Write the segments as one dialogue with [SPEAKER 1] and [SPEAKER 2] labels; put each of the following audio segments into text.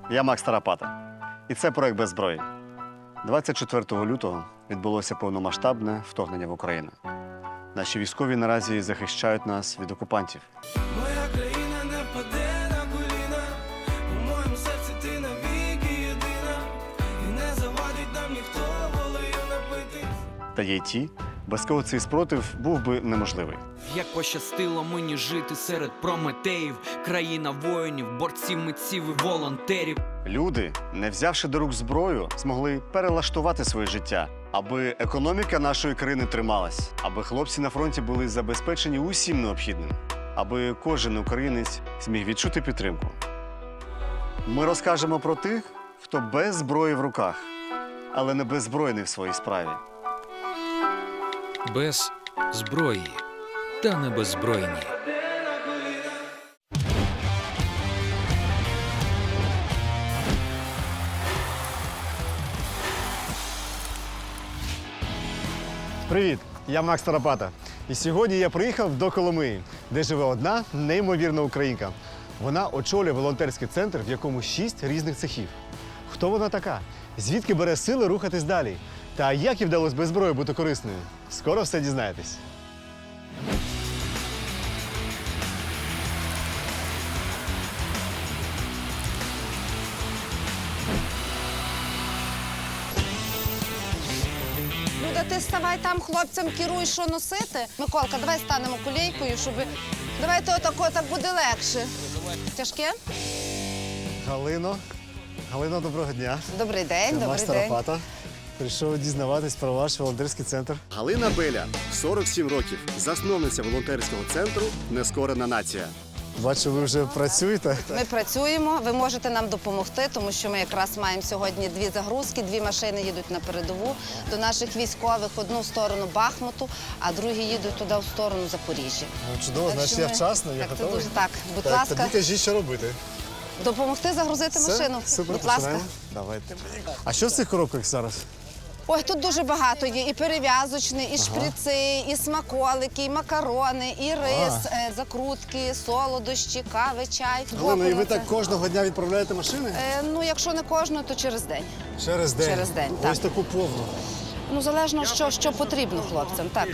[SPEAKER 1] Я Макс Тарапата. І це проект «Без зброї». 24 лютого відбулося повномасштабне вторгнення в Україну. Наші військові наразі захищають нас від окупантів.
[SPEAKER 2] Моя країна не впаде на коліна, у моєму серці ти навіки єдина, і не завадить нам ніхто волею напити.
[SPEAKER 1] Та є й ті, без кого цей спротив був би неможливий.
[SPEAKER 3] Як пощастило мені жити серед прометеїв, країна воїнів, борців, митців і волонтерів.
[SPEAKER 1] Люди, не взявши до рук зброю, змогли перелаштувати своє життя, аби економіка нашої країни трималась, аби хлопці на фронті були забезпечені усім необхідним, аби кожен українець зміг відчути підтримку. Ми розкажемо про тих, хто без зброї в руках, але не беззбройний в своїй справі.
[SPEAKER 4] Без зброї та не беззбройні.
[SPEAKER 1] Привіт! Я Макс Тарапата. І сьогодні я приїхав до Коломиї, де живе одна неймовірна українка. Вона очолює волонтерський центр, в якому 6 різних цехів. Хто вона така? Звідки бере сили рухатись далі? Та як їй вдалося без зброї бути корисною? Скоро все дізнаєтесь.
[SPEAKER 5] Люда, ти ставай там, хлопцям керуй, що носити. Миколка, давай станемо колійкою, щоб... Давайте отако, так буде легше. Тяжке?
[SPEAKER 1] Галино, доброго дня.
[SPEAKER 5] Добрий день,
[SPEAKER 1] Це
[SPEAKER 5] добрий
[SPEAKER 1] Макс
[SPEAKER 5] день.
[SPEAKER 1] Тарапата. Прийшов дізнаватись про ваш волонтерський центр. Галина Беля, 47 років, засновниця волонтерського центру «Нескорена нація». Бачу, ви вже працюєте.
[SPEAKER 5] Ми працюємо, ви можете нам допомогти, тому що ми якраз маємо сьогодні 2 загрузки, 2 машини їдуть на передову до наших військових, одну в сторону Бахмуту, а другі їдуть туди в сторону Запоріжжя.
[SPEAKER 1] Чудово,
[SPEAKER 5] Так
[SPEAKER 1] значить
[SPEAKER 5] що
[SPEAKER 1] я
[SPEAKER 5] ми-
[SPEAKER 1] вчасно, я
[SPEAKER 5] так, це
[SPEAKER 1] готовий.
[SPEAKER 5] дуже так. Будь
[SPEAKER 1] Так,
[SPEAKER 5] ласка,
[SPEAKER 1] тоді кажіть, що робити.
[SPEAKER 5] допомогти загрузити машину.
[SPEAKER 1] Супер,
[SPEAKER 5] Будь ласка.
[SPEAKER 1] починаємо. Давайте. А що в цих коробках зараз?
[SPEAKER 5] Ой, тут дуже багато є. І перев'язочні, і шприци, і смаколики, і макарони, і рис, закрутки, солодощі, кави, чай.
[SPEAKER 1] Галина, і ви
[SPEAKER 5] Боку на
[SPEAKER 1] так
[SPEAKER 5] це.
[SPEAKER 1] кожного дня відправляєте машини?
[SPEAKER 5] Ну, якщо не кожного, то через день.
[SPEAKER 1] Через день?
[SPEAKER 5] Через день, так.
[SPEAKER 1] Ось таку повну.
[SPEAKER 5] Ну, залежно, що потрібно хлопцям, так.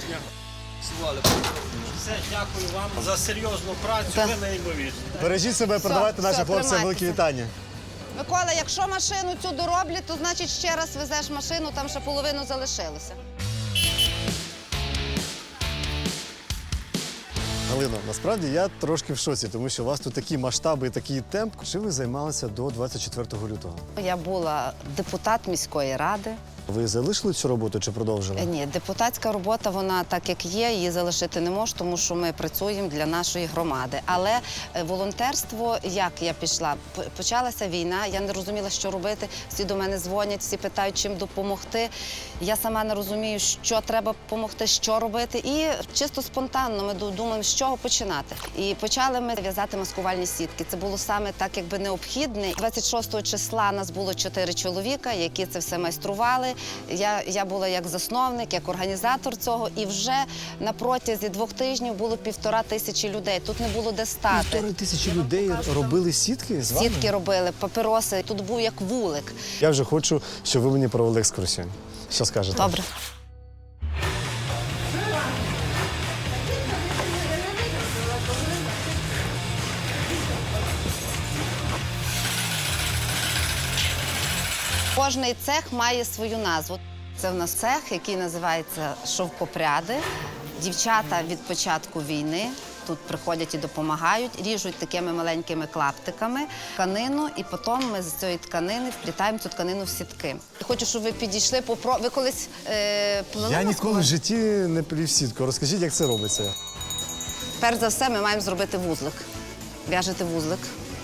[SPEAKER 6] Все, дякую вам за серйозну працю,
[SPEAKER 5] Так.
[SPEAKER 6] ви неймовірні.
[SPEAKER 1] Бережіть себе, передавайте
[SPEAKER 5] все,
[SPEAKER 1] нашим хлопцям великі
[SPEAKER 5] тримайтеся.
[SPEAKER 1] вітання.
[SPEAKER 5] Микола, якщо машину цю дороблять, то значить ще раз везеш машину, там ще половину залишилося.
[SPEAKER 1] Галино, насправді я трошки в шоці, тому що у вас тут такі масштаби і такий темп. Чим ви займалися до 24 лютого?
[SPEAKER 5] Я була депутат міської ради.
[SPEAKER 1] Ви залишили цю роботу чи продовжили?
[SPEAKER 5] Ні, депутатська робота, вона так як є, її залишити не можу, тому що ми працюємо для нашої громади. Але волонтерство, як я пішла, почалася війна, я не розуміла, що робити. Всі до мене дзвонять, всі питають, чим допомогти. Я сама не розумію, що треба допомогти, що робити. І чисто спонтанно ми думаємо, з чого починати. І почали ми в'язати маскувальні сітки. Це було саме так, якби необхідне. 26 числа нас було 4 чоловіка, які це все майстрували. Я була як засновник, як організатор цього, і вже на протязі 2 тижнів було 1500 людей. Тут не було де стати.
[SPEAKER 1] 1500 людей робили сітки з вами?
[SPEAKER 5] Сітки робили, папіроси. Тут був як вулик.
[SPEAKER 1] Я вже хочу, щоб ви мені провели екскурсію. Що скажете?
[SPEAKER 5] Добре. Кожний цех має свою назву. Це в нас цех, який називається «Шовкопряди». Дівчата від початку війни тут приходять і допомагають, ріжуть такими маленькими клаптиками тканину, і потім ми з цієї тканини вплітаємо цю тканину в сітки. Хочу, щоб ви підійшли, ви колись плели?
[SPEAKER 1] Я ніколи в
[SPEAKER 5] маскувальні?
[SPEAKER 1] житті не плів сітку. Розкажіть, як це робиться?
[SPEAKER 5] Перш за все, ми маємо зробити вузлик. В'яжете вузлик.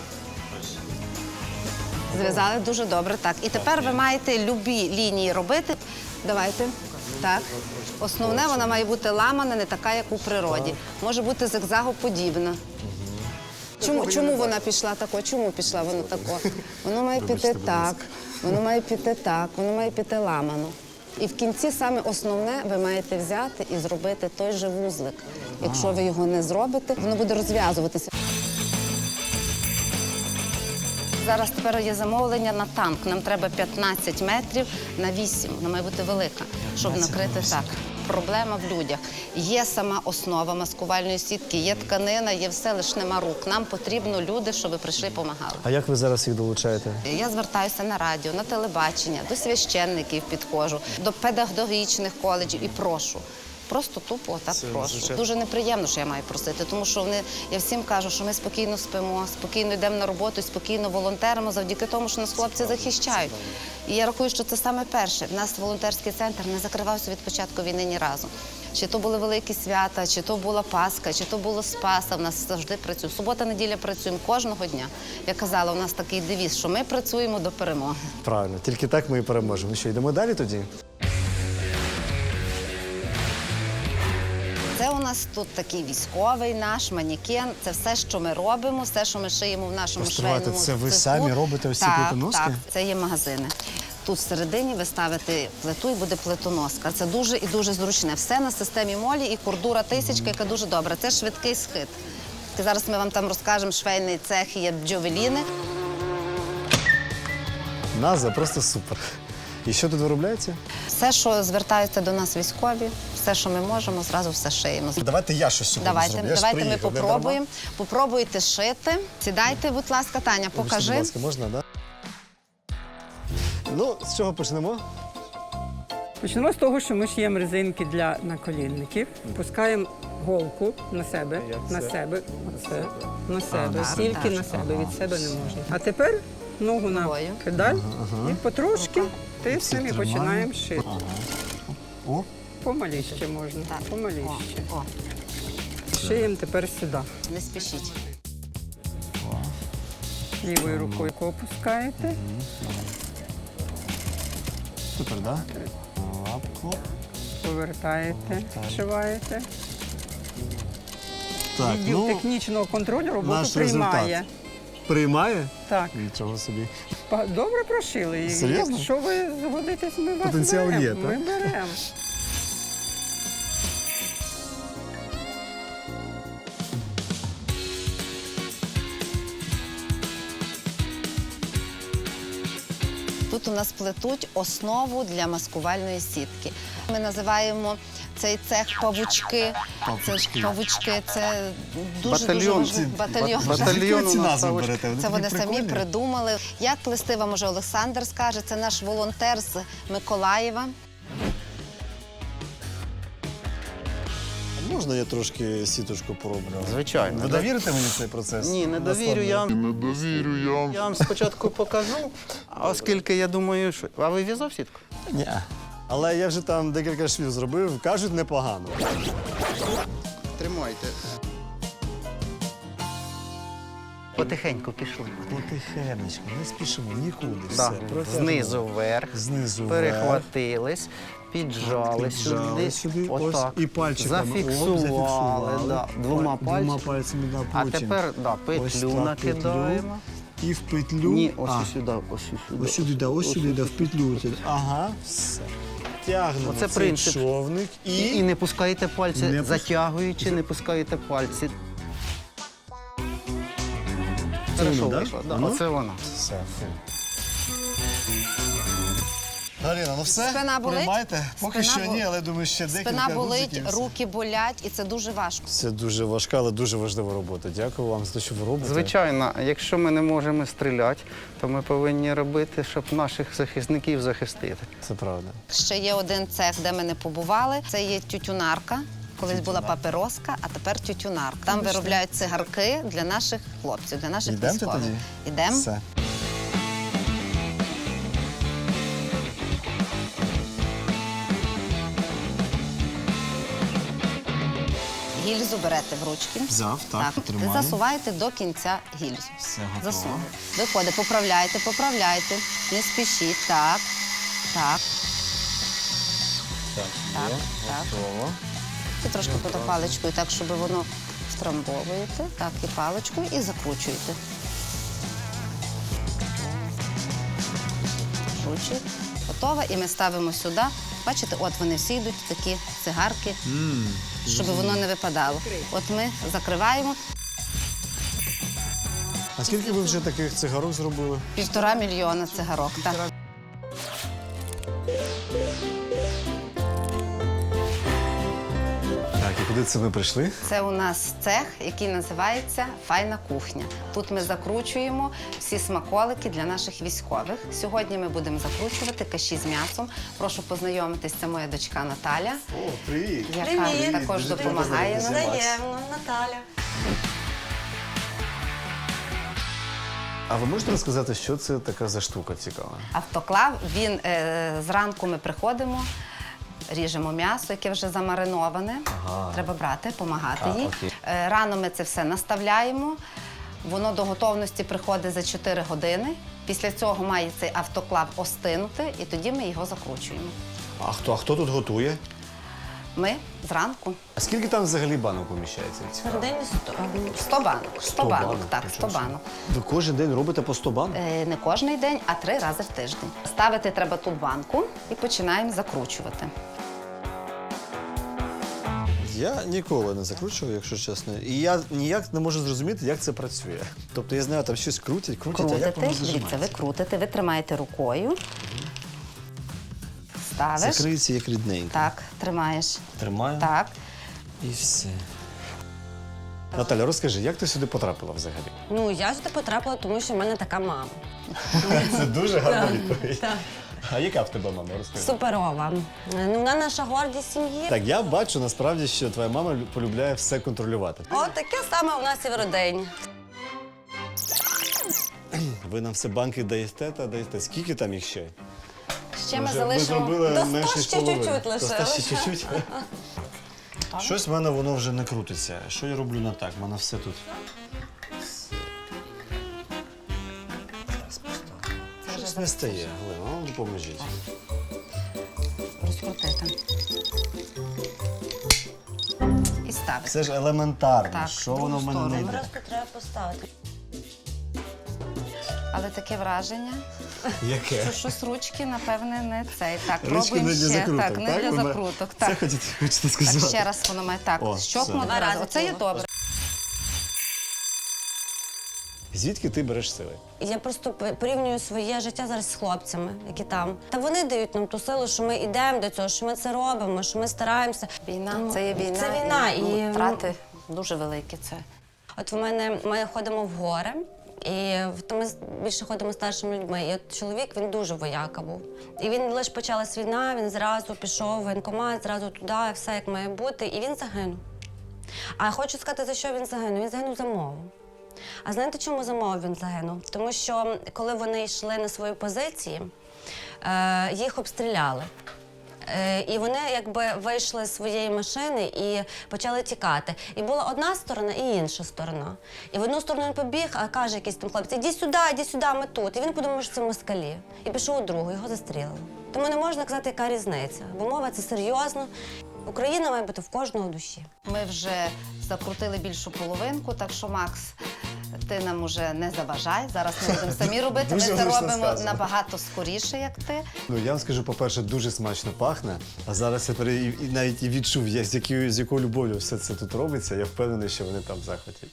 [SPEAKER 5] Зв'язали дуже добре, так. І тепер ви маєте любі лінії робити. Давайте. Так. Основне, вона має бути ламана, не така, як у природі. Може бути зигзагоподібна. Чому вона пішла тако? Чому пішла вона тако? Воно має піти так, воно має піти так, воно має піти ламано. І в кінці саме основне ви маєте взяти і зробити той же вузлик. Якщо ви його не зробите, воно буде розв'язуватися. Зараз тепер є замовлення на танк. Нам треба 15 метрів на 8. Вона має бути велика, щоб накрити так. Проблема в людях. Є сама основа маскувальної сітки, є тканина, є все, лише нема рук. Нам потрібно люди, щоб прийшли і допомагали.
[SPEAKER 1] А як ви зараз їх долучаєте?
[SPEAKER 5] Я звертаюся на радіо, на телебачення, до священників підходжу, до педагогічних коледжів і прошу. Просто тупо так прошу. Дуже неприємно, що я маю просити, тому що я всім кажу, що ми спокійно спимо, спокійно йдемо на роботу, спокійно волонтеримо завдяки тому, що нас хлопці захищають. І я рахую, що це саме перше. В нас волонтерський центр не закривався від початку війни ні разу. Чи то були великі свята, чи то була Пасха, чи то було Спаса, в нас завжди працює. Субота-неділя працюємо кожного дня. Я казала, у нас такий девіз, що ми працюємо до перемоги.
[SPEAKER 1] Правильно, тільки так ми і переможемо. Ну що, йдемо далі тоді?
[SPEAKER 5] Це у нас тут такий військовий наш манекен. Це все, що ми робимо, все, що ми шиємо в нашому
[SPEAKER 1] Постривайте,
[SPEAKER 5] швейному
[SPEAKER 1] це ви
[SPEAKER 5] цеху.
[SPEAKER 1] самі робите ось ці
[SPEAKER 5] Так,
[SPEAKER 1] плитоноски?
[SPEAKER 5] Так, це є магазини. Тут всередині ви ставите плиту і буде плитоноска. Це дуже і дуже зручне. Все на системі молі і кордура тисячка, яка дуже добра. Це швидкий схит. Зараз ми вам там розкажемо, швейний цех, є джовеліни.
[SPEAKER 1] Назва просто супер. І що тут виробляється?
[SPEAKER 5] Все, що звертаються до нас військові, все, що ми можемо, зразу все шиємо.
[SPEAKER 1] Давайте я щось сьогодні зроблю. Я ж
[SPEAKER 5] Давайте ми
[SPEAKER 1] приїхав, не
[SPEAKER 5] попробуємо. Попробуйте шити. Сідайте, будь ласка, Таня,
[SPEAKER 1] дарма? Вибачте,
[SPEAKER 5] покажи.
[SPEAKER 1] будь ласка, можна, так? Ну, з чого почнемо?
[SPEAKER 7] Почнемо з того, що ми шиємо резинки для наколінників, пускаємо голку на себе, на себе, оце, на себе, тільки на себе, від себе не можна. А тепер ногу на
[SPEAKER 5] Ногою.
[SPEAKER 7] педаль і потрошки тиснемо і починаємо шити.
[SPEAKER 1] О,
[SPEAKER 7] Помаліще можна,
[SPEAKER 5] Так.
[SPEAKER 7] помаліще.
[SPEAKER 5] О,
[SPEAKER 7] Шиємо тепер сюди.
[SPEAKER 5] не спішіть.
[SPEAKER 7] Лівою рукою опускаєте.
[SPEAKER 1] супер, так? Лапку.
[SPEAKER 7] Повертаєте, зшиваєте.
[SPEAKER 1] Так,
[SPEAKER 7] Відділ
[SPEAKER 1] ну,
[SPEAKER 7] технічного контролю роботу
[SPEAKER 1] наш
[SPEAKER 7] приймає.
[SPEAKER 1] результат. Приймає?
[SPEAKER 7] Так.
[SPEAKER 1] Нічого собі.
[SPEAKER 7] Добре прошили. І
[SPEAKER 1] Серйозно?
[SPEAKER 7] якщо ви згодитесь, ми вас
[SPEAKER 1] Потенціал
[SPEAKER 7] беремо.
[SPEAKER 1] є, так?
[SPEAKER 7] Ми беремо.
[SPEAKER 5] Тут у нас плетуть основу для маскувальної сітки. Ми називаємо цей цех павучки. Це ж павучки, це дуже важливо. Батальйон.
[SPEAKER 1] Ці назви берете?
[SPEAKER 5] Це вони самі придумали. Як плести вам уже Олександр скаже, це наш волонтер з Миколаєва.
[SPEAKER 1] Можна я трошки сіточку пороблю?
[SPEAKER 8] Звичайно.
[SPEAKER 1] Ви довірите мені цей процес?
[SPEAKER 8] Ні, не довірю. Я вам спочатку покажу, оскільки я думаю, що. А ви в'язав сітку?
[SPEAKER 1] Ні. Але я вже там декілька швів зробив, кажуть, непогано.
[SPEAKER 8] Тримайте. Потихеньку пішли.
[SPEAKER 1] Потихенечку, не спішимо нікуди.
[SPEAKER 8] Да.
[SPEAKER 1] Все. Протягнемо.
[SPEAKER 8] Знизу вверх.
[SPEAKER 1] Знизу
[SPEAKER 8] Перехватились, піджали сюди.
[SPEAKER 1] Ось,
[SPEAKER 8] Отак.
[SPEAKER 1] і пальчиками.
[SPEAKER 8] Зафіксували. Да. Двома
[SPEAKER 1] Двома
[SPEAKER 8] пальцями.
[SPEAKER 1] пальцями, да,
[SPEAKER 8] А
[SPEAKER 1] потім.
[SPEAKER 8] тепер
[SPEAKER 1] Ось
[SPEAKER 8] петлю
[SPEAKER 1] так,
[SPEAKER 8] накидаємо.
[SPEAKER 1] І в петлю.
[SPEAKER 8] Ні, ось
[SPEAKER 1] А,
[SPEAKER 8] сюди, ось сюди.
[SPEAKER 1] ось сюди, да, ось сюди, да, в петлю. Ага, все. Тягнемо
[SPEAKER 8] Оце
[SPEAKER 1] цей
[SPEAKER 8] принцип.
[SPEAKER 1] човник
[SPEAKER 8] І не пускаєте пальці,
[SPEAKER 1] Не
[SPEAKER 8] затягуючи, не пускаєте пальці.
[SPEAKER 1] Це
[SPEAKER 8] Хорошо
[SPEAKER 1] воно, да?
[SPEAKER 8] вийшло. Да,
[SPEAKER 1] Воно?
[SPEAKER 8] оце воно.
[SPEAKER 1] Все. Галіна, ну все?
[SPEAKER 5] Спина болить?
[SPEAKER 1] Приймайте? Поки
[SPEAKER 5] Спина
[SPEAKER 1] що ні, але думаю, ще декілька
[SPEAKER 5] Спина болить,
[SPEAKER 1] гудзиків.
[SPEAKER 5] руки болять, і це дуже важко.
[SPEAKER 1] Це дуже важка, але дуже важлива робота. Дякую вам за те, що ви робите.
[SPEAKER 8] Звичайно, якщо ми не можемо стріляти, то ми повинні робити, щоб наших захисників захистити.
[SPEAKER 1] Це правда.
[SPEAKER 5] Ще є один цех, де ми не побували. Це є тютюнарка. Колись була папироска, а тепер тютюнарка. Там виробляють цигарки для наших хлопців, для наших
[SPEAKER 1] Йдемте
[SPEAKER 5] військових.
[SPEAKER 1] тоді?
[SPEAKER 5] Ідемо.
[SPEAKER 1] Все.
[SPEAKER 5] Гільзу берете в ручки.
[SPEAKER 1] Взяв, так,
[SPEAKER 5] І
[SPEAKER 1] тримаю.
[SPEAKER 5] засуваєте до кінця гільзу.
[SPEAKER 1] Все готово.
[SPEAKER 5] Засунули. Виходить, поправляйте, поправляйте. Не спішіть. Так. Так. Так. Так.
[SPEAKER 1] Готово.
[SPEAKER 5] І трошки потім паличкою, так, щоб воно втрамбовуєте. Так, і паличкою, і закручуєте. Закручуєте. Готово. І ми ставимо сюди. Бачите, от вони всі йдуть, такі цигарки, щоб воно не випадало. От ми закриваємо.
[SPEAKER 1] А скільки ви вже таких цигарок зробили?
[SPEAKER 5] 1,5 мільйона цигарок. Так.
[SPEAKER 1] Так, і куди це ви прийшли?
[SPEAKER 5] Це у нас цех, який називається «Файна кухня». Тут ми закручуємо всі смаколики для наших військових. Сьогодні ми будемо закручувати каші з м'ясом. Прошу познайомитись, це моя дочка Наталя,
[SPEAKER 1] О, привіт!
[SPEAKER 5] яка також допомагає нам.
[SPEAKER 9] Взаємно, Наталя.
[SPEAKER 1] А ви можете розказати, що це така за штука цікава?
[SPEAKER 5] Автоклав, він зранку ми приходимо, ріжемо м'ясо, яке вже замариноване. Треба брати, допомагати їй.
[SPEAKER 1] окей.
[SPEAKER 5] Рано ми це все наставляємо. Воно до готовності приходить за 4 години. Після цього має цей автоклав остинути, і тоді ми його закручуємо.
[SPEAKER 1] А хто тут готує?
[SPEAKER 5] Ми зранку.
[SPEAKER 1] А скільки там взагалі банок поміщається?
[SPEAKER 9] Всередині
[SPEAKER 5] 100 банок. 100 банок, так, 100
[SPEAKER 1] Нічого
[SPEAKER 5] банок.
[SPEAKER 1] собі. Ви кожен день робите по 100 банок?
[SPEAKER 5] Не кожен день, а 3 рази в тиждень. Ставити треба тут банку і починаємо закручувати.
[SPEAKER 1] Я ніколи не закручував, якщо чесно. І я ніяк не можу зрозуміти, як це працює. Тобто я знаю, там щось крутять, а як
[SPEAKER 5] Крутите,
[SPEAKER 1] воно
[SPEAKER 5] дивіться, ви
[SPEAKER 1] зажимається?
[SPEAKER 5] крутите, ви тримаєте рукою, ставиш.
[SPEAKER 1] Закриється як рідненько.
[SPEAKER 5] Так, тримаєш.
[SPEAKER 1] Тримаю.
[SPEAKER 5] Так.
[SPEAKER 1] І все. Наталя, розкажи, як ти сюди потрапила взагалі?
[SPEAKER 9] Ну, я сюди потрапила, тому що в мене така мама.
[SPEAKER 1] Це дуже гарна відповідь.
[SPEAKER 9] Так.
[SPEAKER 1] А яка в тебе мама? Розкажи.
[SPEAKER 9] Суперова. Ну, вона наша гордість сім'ї.
[SPEAKER 1] Так, я бачу насправді, що твоя мама полюбляє все контролювати.
[SPEAKER 9] От таке саме у нас і в родині.
[SPEAKER 1] Ви нам все банки даєте та даєте. Скільки там їх ще?
[SPEAKER 5] Ще ми
[SPEAKER 1] Ми
[SPEAKER 5] залишимо.
[SPEAKER 1] зробили
[SPEAKER 9] До 100
[SPEAKER 1] менше
[SPEAKER 9] ще
[SPEAKER 1] половини.
[SPEAKER 9] чуть-чуть
[SPEAKER 1] До 100
[SPEAKER 9] лишилось.
[SPEAKER 1] ще чуть-чуть. Щось в мене воно вже не крутиться. Що я роблю не так? У мене все тут. Щось не стає. Галина, ну допоможіть.
[SPEAKER 5] Розкрутити. І ставити.
[SPEAKER 1] Це ж елементарно.
[SPEAKER 5] Так,
[SPEAKER 1] Що воно в мене не
[SPEAKER 5] сторону.
[SPEAKER 1] йде?
[SPEAKER 9] Просто треба поставити.
[SPEAKER 5] Але таке враження,
[SPEAKER 1] Яке?
[SPEAKER 5] що щось ручки, напевне, не цей. Так,
[SPEAKER 1] Ручки
[SPEAKER 5] пробуємо
[SPEAKER 1] не для
[SPEAKER 5] ще.
[SPEAKER 1] закруток,
[SPEAKER 5] Так, не
[SPEAKER 1] так?
[SPEAKER 5] для
[SPEAKER 1] Ви
[SPEAKER 5] закруток.
[SPEAKER 1] Це
[SPEAKER 5] Так.
[SPEAKER 1] хочете сказати?
[SPEAKER 5] Так, ще раз воно має так.
[SPEAKER 1] О,
[SPEAKER 5] Щопнути
[SPEAKER 1] все.
[SPEAKER 5] два рази.
[SPEAKER 9] рази
[SPEAKER 5] Оце є
[SPEAKER 9] було.
[SPEAKER 5] добре.
[SPEAKER 1] Звідки ти береш сили?
[SPEAKER 9] Я просто порівнюю своє життя зараз з хлопцями, які там. Та вони дають нам ту силу, що ми йдемо до цього, що ми це робимо, що ми стараємося.
[SPEAKER 5] Війна,
[SPEAKER 9] Ну,
[SPEAKER 5] це є війна.
[SPEAKER 9] Це війна.
[SPEAKER 5] Ну,
[SPEAKER 9] І
[SPEAKER 5] втрати дуже великі це.
[SPEAKER 9] От в мене ми ходимо в гори, і то ми більше ходимо з старшими людьми. І от чоловік, він дуже вояка був. І він лише почалась війна, він зразу пішов в воєнкомат, зразу туди, все як має бути, і він загинув. А я хочу сказати, за що він загинув? Він загинув за мову. А знаєте, чому за мову він загинув? Тому що коли вони йшли на свої позиції, їх обстріляли. І вони якби вийшли з своєї машини і почали тікати. І була одна сторона і інша сторона. І в одну сторону він побіг, а каже якийсь там хлопець: іди сюди, ми тут. І він подумав, що це москалі. І пішов у другу, його застрілили. Тому не можна казати, яка різниця. Бо мова це серйозно. Україна має бути в кожного в душі.
[SPEAKER 5] Ми вже закрутили більшу половинку, так що, Макс, ти нам уже не заважай. Зараз ми будемо самі робити. Ми
[SPEAKER 1] Дуже
[SPEAKER 5] це
[SPEAKER 1] влучно
[SPEAKER 5] робимо
[SPEAKER 1] сказано.
[SPEAKER 5] набагато скоріше, як ти.
[SPEAKER 1] Ну, я вам скажу, по-перше, дуже смачно пахне, а зараз я навіть і відчув, з якою любов'ю все це тут робиться. Я впевнений, що вони там в захваті.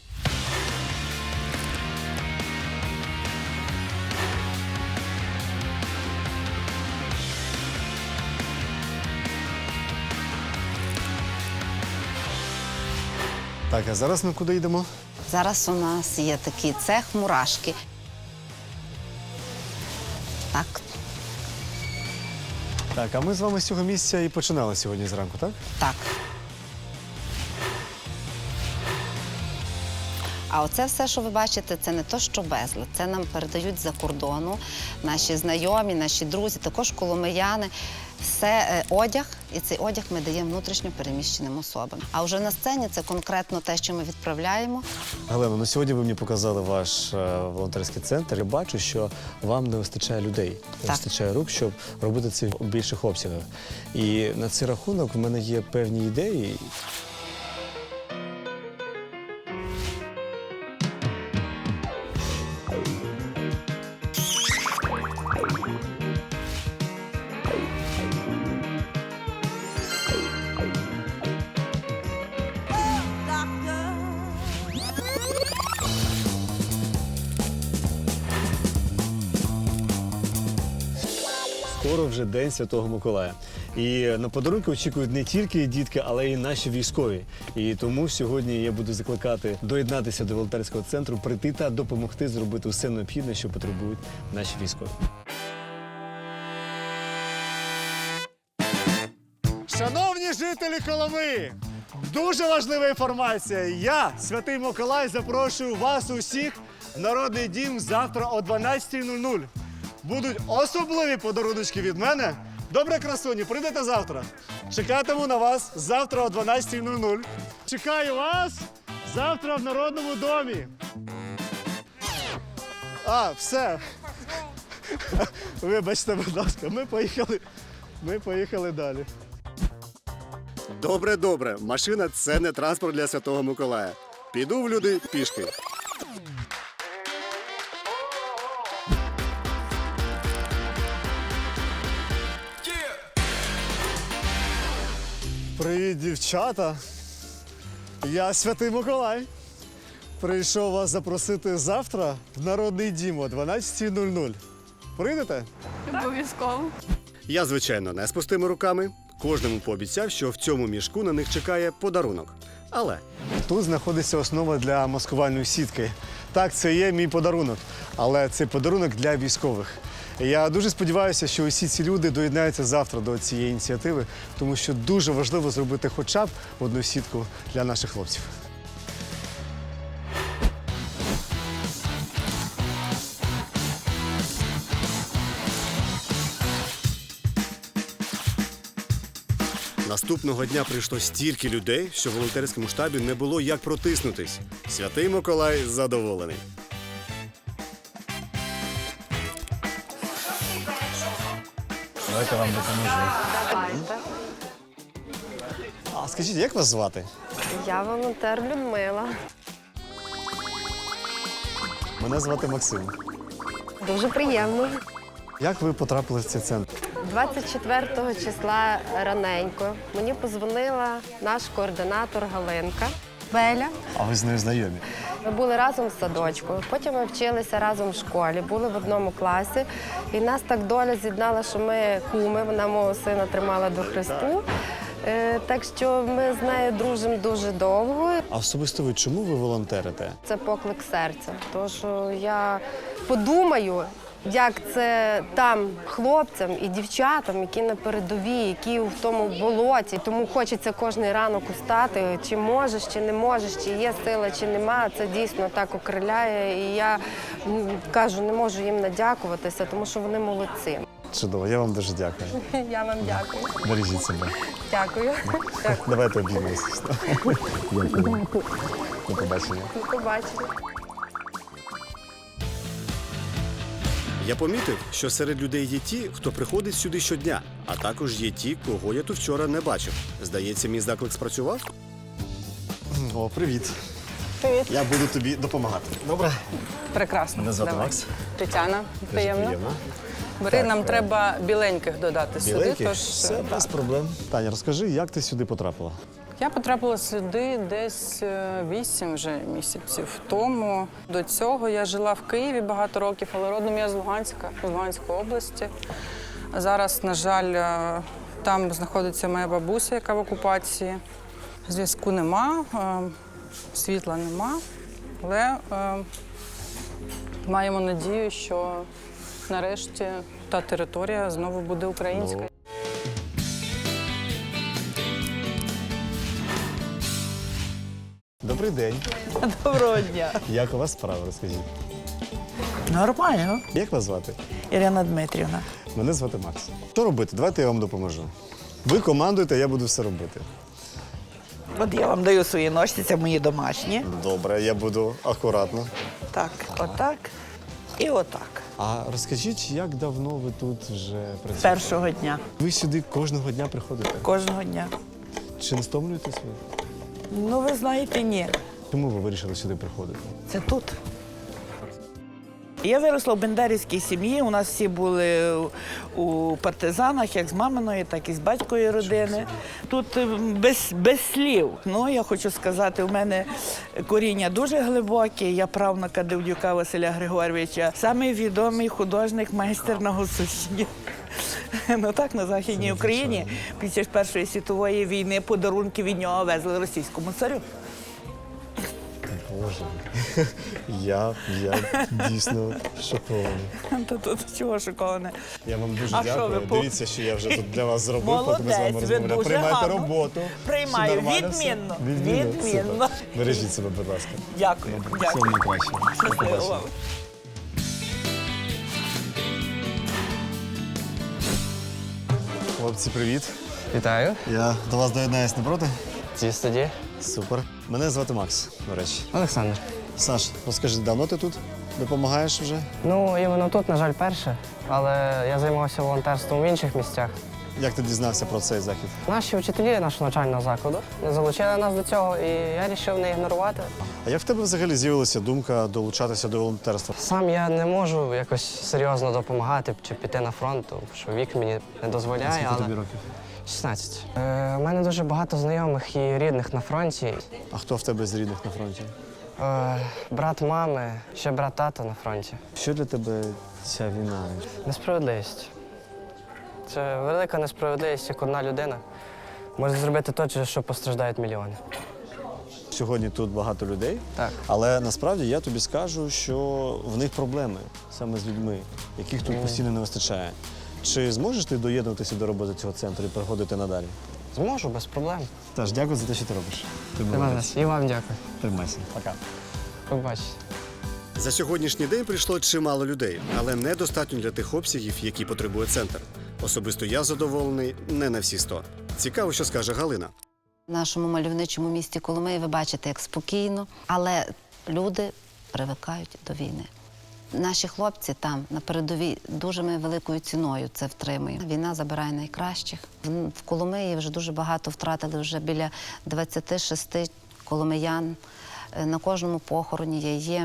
[SPEAKER 1] Так, а зараз ми куди йдемо?
[SPEAKER 5] Зараз у нас є такий цех мурашки. Так,
[SPEAKER 1] Так, а ми з вами з цього місця і починали сьогодні зранку, так?
[SPEAKER 5] так. А оце все, що ви бачите, це не то, що безлад. Це нам передають з-за кордону наші знайомі, наші друзі, також коломияни. Все одяг, і цей одяг ми даємо внутрішньо переміщеним особам. А вже на сцені це конкретно те, що ми відправляємо.
[SPEAKER 1] Галина, ну сьогодні ви мені показали ваш волонтерський центр. Я бачу, що вам не вистачає людей, не
[SPEAKER 5] Так.
[SPEAKER 1] вистачає рук, щоб робити це в більших обсягах. І на цей рахунок в мене є певні ідеї. скоро вже День Святого Миколая. І на подарунки очікують не тільки дітки, але й наші військові. І тому сьогодні я буду закликати доєднатися до волонтерського центру, прийти та допомогти зробити все необхідне, що потребують наші військові. Шановні жителі Коломи, дуже важлива інформація. Я, Святий Миколай, запрошую вас усіх в Народний дім завтра о 12:00. Будуть особливі подаруночки від мене. Добре, красуні, прийдете завтра. Чекатиму на вас завтра о 12:00. Чекаю вас завтра в Народному домі. Все. Вибачте, будь ласка, ми поїхали далі. Добре. Машина – це не транспорт для Святого Миколая. Піду в люди пішки. Привіт, дівчата. Я Святий Миколай. Прийшов вас запросити завтра в Народний дім о 12:00. Прийдете?
[SPEAKER 10] Обов'язково.
[SPEAKER 1] Я, звичайно, не з пустими руками. Кожному пообіцяв, що в цьому мішку на них чекає подарунок. Але тут знаходиться основа для маскувальної сітки. Так, це є мій подарунок, але це подарунок для військових. Я дуже сподіваюся, що усі ці люди доєднаються завтра до цієї ініціативи, тому що дуже важливо зробити хоча б одну сітку для наших хлопців. Наступного дня прийшло стільки людей, що в волонтерському штабі не було як протиснутись. Святий Миколай задоволений.
[SPEAKER 11] Давайте вам допоможу.
[SPEAKER 10] Давайте.
[SPEAKER 1] А скажіть, як вас звати?
[SPEAKER 10] Я волонтер Людмила.
[SPEAKER 1] Мене звати Максим.
[SPEAKER 10] Дуже приємно.
[SPEAKER 1] Як ви потрапили в цей центр?
[SPEAKER 10] 24 числа раненько мені подзвонила наш координатор Галинка Беля.
[SPEAKER 1] А ви з нею знайомі?
[SPEAKER 10] Ми були разом в садочку, потім ми вчилися разом в школі, були в одному класі. І нас так доля з'єднала, що ми куми, вона мого сина тримала до Христу. Так що ми з нею дружимо дуже довго.
[SPEAKER 1] А особисто ви чому ви волонтерите?
[SPEAKER 10] Це поклик серця. Тому що я подумаю, як це там хлопцям і дівчатам, які на передовій, які в тому болоті. Тому хочеться кожен ранок устати, чи можеш, чи не можеш, чи є сила, чи нема. Це дійсно так окриляє. І я кажу, не можу їм надякуватися, тому що вони молодці.
[SPEAKER 1] Чудово, я вам дуже дякую.
[SPEAKER 10] Я вам дякую.
[SPEAKER 1] Бережіть себе.
[SPEAKER 10] Дякую.
[SPEAKER 1] Давайте обіймемося. Дякую. До побачення.
[SPEAKER 10] До побачення.
[SPEAKER 1] Я помітив, що серед людей є ті, хто приходить сюди щодня, а також є ті, кого я тут вчора не бачив. Здається, мій заклик спрацював? О, привіт.
[SPEAKER 7] Привіт.
[SPEAKER 1] Я буду тобі допомагати. Добре?
[SPEAKER 7] Прекрасно.
[SPEAKER 1] Мене звати
[SPEAKER 7] Давай.
[SPEAKER 1] Макс.
[SPEAKER 7] Тетяна, приємно.
[SPEAKER 1] Приємно.
[SPEAKER 7] Бери,
[SPEAKER 1] Так,
[SPEAKER 7] нам треба біленьких додати
[SPEAKER 1] Біленьких?
[SPEAKER 7] сюди. Тож,
[SPEAKER 1] Все
[SPEAKER 7] так.
[SPEAKER 1] без проблем. Таня, розкажи, як ти сюди потрапила?
[SPEAKER 7] Я потрапила сюди десь 8 вже місяців тому. До цього я жила в Києві багато років, але родом я з Луганська, з Луганської області. Зараз, на жаль, там знаходиться моя бабуся, яка в окупації. Зв'язку нема, світла нема, але маємо надію, що нарешті та територія знову буде українська.
[SPEAKER 1] Добрий день.
[SPEAKER 11] Доброго дня.
[SPEAKER 1] Як у вас справи, розкажіть?
[SPEAKER 11] Нормально.
[SPEAKER 1] Як вас звати?
[SPEAKER 11] Ірина Дмитрівна.
[SPEAKER 1] Мене звати Макс. Що робити? Давайте я вам допоможу. Ви командуєте, я буду все робити.
[SPEAKER 11] От я вам даю свої ножці, це мої домашні.
[SPEAKER 1] Добре, я буду акуратно.
[SPEAKER 11] Так, отак і отак.
[SPEAKER 1] А розкажіть, як давно ви тут вже
[SPEAKER 11] З
[SPEAKER 1] працюєте?
[SPEAKER 11] першого дня,
[SPEAKER 1] Ви сюди кожного дня приходите?
[SPEAKER 11] кожного дня.
[SPEAKER 1] Чи не стомлюєтесь ви?
[SPEAKER 11] Ну, ви знаєте, ні.
[SPEAKER 1] Чому ви вирішили сюди приходити?
[SPEAKER 11] Це тут. Я виросла в бендерівській сім'ї. У нас всі були у партизанах, як з маминої, так і з батької родини. Тут без слів. Ну, я хочу сказати, у мене коріння дуже глибоке. Я правнука Девдюка Василя Григоровича, самий відомий художник, майстер на Гуцульщині. Ну так, на Західній Україні під час Першої світової війни подарунки від нього везли російському царю.
[SPEAKER 1] Боже, я дійсно шокований.
[SPEAKER 11] Та тут чого шоковане?
[SPEAKER 1] Я вам дуже
[SPEAKER 11] А що
[SPEAKER 1] дякую.
[SPEAKER 11] ви
[SPEAKER 1] Дивіться, що я вже тут для вас зробив, поки ми з вами
[SPEAKER 11] Молодець, ви
[SPEAKER 1] розмовляємо.
[SPEAKER 11] дуже
[SPEAKER 1] Приймайте
[SPEAKER 11] гарно.
[SPEAKER 1] роботу.
[SPEAKER 11] Приймаю,
[SPEAKER 1] Все нормально, все?
[SPEAKER 11] відмінно.
[SPEAKER 1] Супер. Бережіть себе, будь ласка.
[SPEAKER 11] Дякую.
[SPEAKER 1] Всього найкращого. До
[SPEAKER 11] Щасливо
[SPEAKER 1] побачення.
[SPEAKER 11] вам.
[SPEAKER 1] Хлопці, привіт.
[SPEAKER 12] Вітаю.
[SPEAKER 1] Я до вас доєднаюсь, не проти?
[SPEAKER 12] Ці студії.
[SPEAKER 1] Супер. Мене звати Макс, до речі.
[SPEAKER 12] Олександр.
[SPEAKER 1] Саш, розкажи, давно ти тут? Допомагаєш вже?
[SPEAKER 12] Ну, іменно тут, на жаль, перше, але я займався волонтерством в інших місцях.
[SPEAKER 1] Як ти дізнався про цей захід?
[SPEAKER 12] Наші вчителі нашого навчального закладу не залучили нас до цього, і я вирішив не ігнорувати.
[SPEAKER 1] А як в тебе взагалі з'явилася думка долучатися до волонтерства?
[SPEAKER 12] Сам я не можу якось серйозно допомагати чи піти на фронт, тому що вік мені не дозволяє.
[SPEAKER 1] Скільки
[SPEAKER 12] але...
[SPEAKER 1] тобі років?
[SPEAKER 12] 16. У мене дуже багато знайомих і рідних на фронті.
[SPEAKER 1] А хто в тебе з рідних на фронті?
[SPEAKER 12] Брат мами, ще брат тата на фронті.
[SPEAKER 1] Що для тебе ця війна?
[SPEAKER 12] Несправедливість. Це велика несправедливість, як одна людина може зробити те, що постраждають мільйони.
[SPEAKER 1] Сьогодні тут багато людей,
[SPEAKER 12] Так.
[SPEAKER 1] але насправді я тобі скажу, що в них проблеми саме з людьми, яких тут постійно не вистачає. Чи зможеш ти доєднуватися до роботи цього центру і приходити надалі?
[SPEAKER 12] Зможу, без проблем.
[SPEAKER 1] Тож, дякую за те, що ти робиш. Ти молодець.
[SPEAKER 12] І вам дякую.
[SPEAKER 1] Тримайся. Пока.
[SPEAKER 12] Побачите.
[SPEAKER 1] За сьогоднішній день прийшло чимало людей, але недостатньо для тих обсягів, які потребує центр. Особисто я задоволений не на всі 100. Цікаво, що скаже Галина.
[SPEAKER 5] В нашому мальовничому місті Коломиї ви бачите, як спокійно, але люди привикають до війни. Наші хлопці там на передовій дуже ми великою ціною це втримуємо. Війна забирає найкращих. В Коломиї вже дуже багато втратили, вже біля 26 коломиян. На кожному похороні є.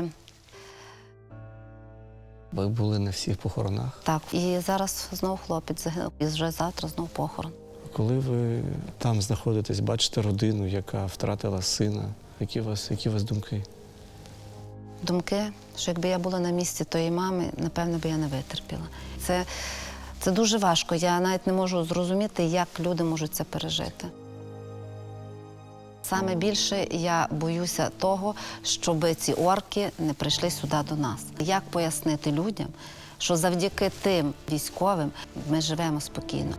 [SPEAKER 12] Ви були на всіх похоронах.
[SPEAKER 5] Так, і зараз знову хлопець загинув, і вже завтра знову похорон.
[SPEAKER 12] Коли ви там знаходитесь, бачите родину, яка втратила сина, які у вас думки?
[SPEAKER 5] Думки, що якби я була на місці тої мами, напевно, би я не витерпіла. Це дуже важко. Я навіть не можу зрозуміти, як люди можуть це пережити. Саме більше я боюся того, щоб ці орки не прийшли сюди до нас. Як пояснити людям, що завдяки тим військовим ми живемо спокійно?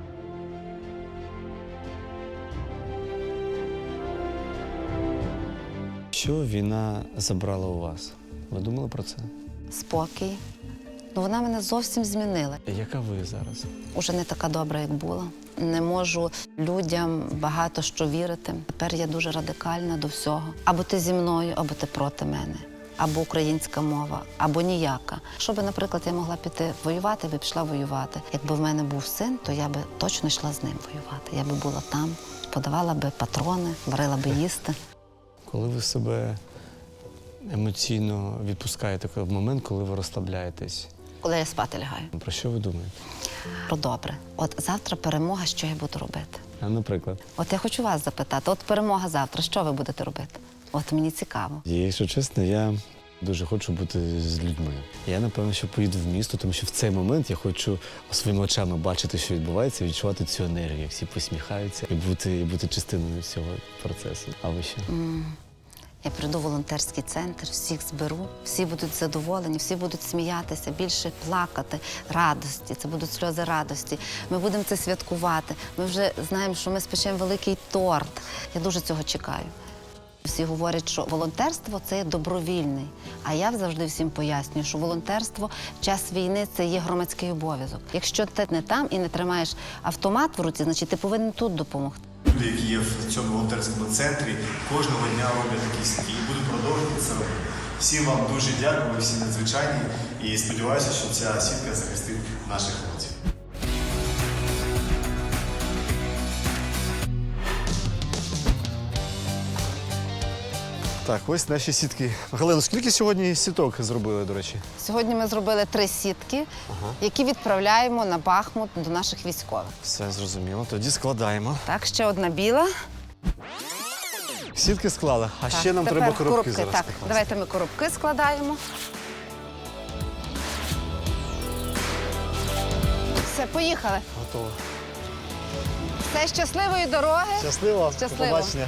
[SPEAKER 12] Що війна забрала у вас? Ви думали про це?
[SPEAKER 5] Спокій. Ну, вона мене зовсім змінила.
[SPEAKER 12] Яка ви зараз?
[SPEAKER 5] Уже не така добра, як була. Не можу людям багато що вірити. Тепер я дуже радикальна до всього. Або ти зі мною, або ти проти мене. Або українська мова, або ніяка. Щоби, наприклад, я могла піти воювати, я би пішла воювати. Якби в мене був син, то я би точно йшла з ним воювати. Я би була там, подавала би патрони, варила би їсти.
[SPEAKER 12] Коли ви себе емоційно відпускаєте в момент, коли ви розслабляєтесь,
[SPEAKER 5] Коли я спати лягаю.
[SPEAKER 12] про що ви думаєте?
[SPEAKER 5] Про добре. От завтра перемога, що я буду робити?
[SPEAKER 12] А, наприклад?
[SPEAKER 5] От я хочу вас запитати, от перемога завтра, що ви будете робити? От мені цікаво.
[SPEAKER 12] Якщо чесно, я дуже хочу бути з людьми. Я, напевно, що поїду в місто, тому що в цей момент я хочу своїми очами бачити, що відбувається, відчувати цю енергію, як всі посміхаються і бути частиною цього процесу. А ви що?
[SPEAKER 5] Я прийду в волонтерський центр, всіх зберу, всі будуть задоволені, всі будуть сміятися, більше плакати, радості. Це будуть сльози радості. Ми будемо це святкувати. Ми вже знаємо, що ми спечемо великий торт. Я дуже цього чекаю. Всі говорять, що волонтерство – це є добровільний. А я завжди всім пояснюю, що волонтерство в час війни – це є громадський обов'язок. Якщо ти не там і не тримаєш автомат в руці, значить ти повинен тут допомогти.
[SPEAKER 1] Люди, які є в цьому волонтерському центрі, кожного дня роблять якісь дії. Буду продовжувати це робити. Всім вам дуже дякую, ви всі надзвичайні. І сподіваюся, що ця сітка захистить наших хлопців. Так, ось наші сітки. Галина, скільки сьогодні сіток зробили, до речі?
[SPEAKER 5] Сьогодні ми зробили 3 сітки, які відправляємо на Бахмут до наших військових.
[SPEAKER 1] Все зрозуміло. Тоді складаємо.
[SPEAKER 5] Так, ще одна біла.
[SPEAKER 1] Сітки склали, а
[SPEAKER 5] Так,
[SPEAKER 1] ще нам
[SPEAKER 5] тепер
[SPEAKER 1] треба коробки зараз
[SPEAKER 5] Так,
[SPEAKER 1] покласти.
[SPEAKER 5] давайте ми коробки складаємо. Все, поїхали.
[SPEAKER 1] Готово.
[SPEAKER 5] Все, щасливої дороги.
[SPEAKER 1] Щасливо.
[SPEAKER 5] Щасливо.
[SPEAKER 1] До побачення.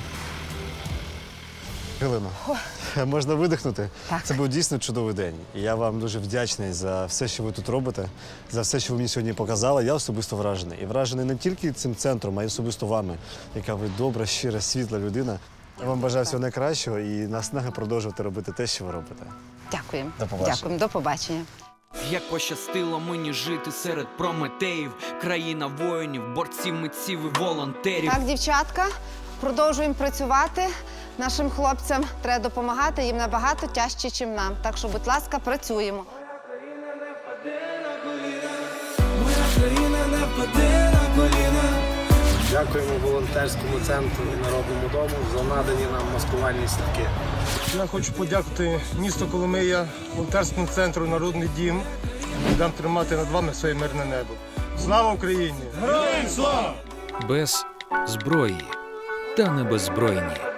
[SPEAKER 1] Галино, можна видихнути?
[SPEAKER 5] Так.
[SPEAKER 1] Це був дійсно чудовий день. І я вам дуже вдячний за все, що ви тут робите, за все, що ви мені сьогодні показали. Я особисто вражений. І вражений не тільки цим центром, а й особисто вами, яка ви добра, щира, світла людина. Я вам бажаю всього найкращого і наснаги продовжувати робити те, що ви робите.
[SPEAKER 5] Дякуємо.
[SPEAKER 1] До побачення.
[SPEAKER 5] Дякуємо. До побачення.
[SPEAKER 3] Як пощастило мені жити серед прометеїв, країна воїнів, борців, митців і волонтерів.
[SPEAKER 5] Так, дівчатка, продовжуємо працювати. Нашим хлопцям треба допомагати, їм набагато тяжче, ніж нам. Так що, будь ласка, працюємо.
[SPEAKER 2] Моя країна не впаде на коліна.
[SPEAKER 6] Дякуємо волонтерському центру і Народному дому за надані нам маскувальні сітки.
[SPEAKER 13] Я хочу подякувати місту Коломия, волонтерському центру «Народний дім». Дам тримати над вами своє мирне небо. Слава Україні! Героям слава!
[SPEAKER 4] Без зброї та не беззбройні.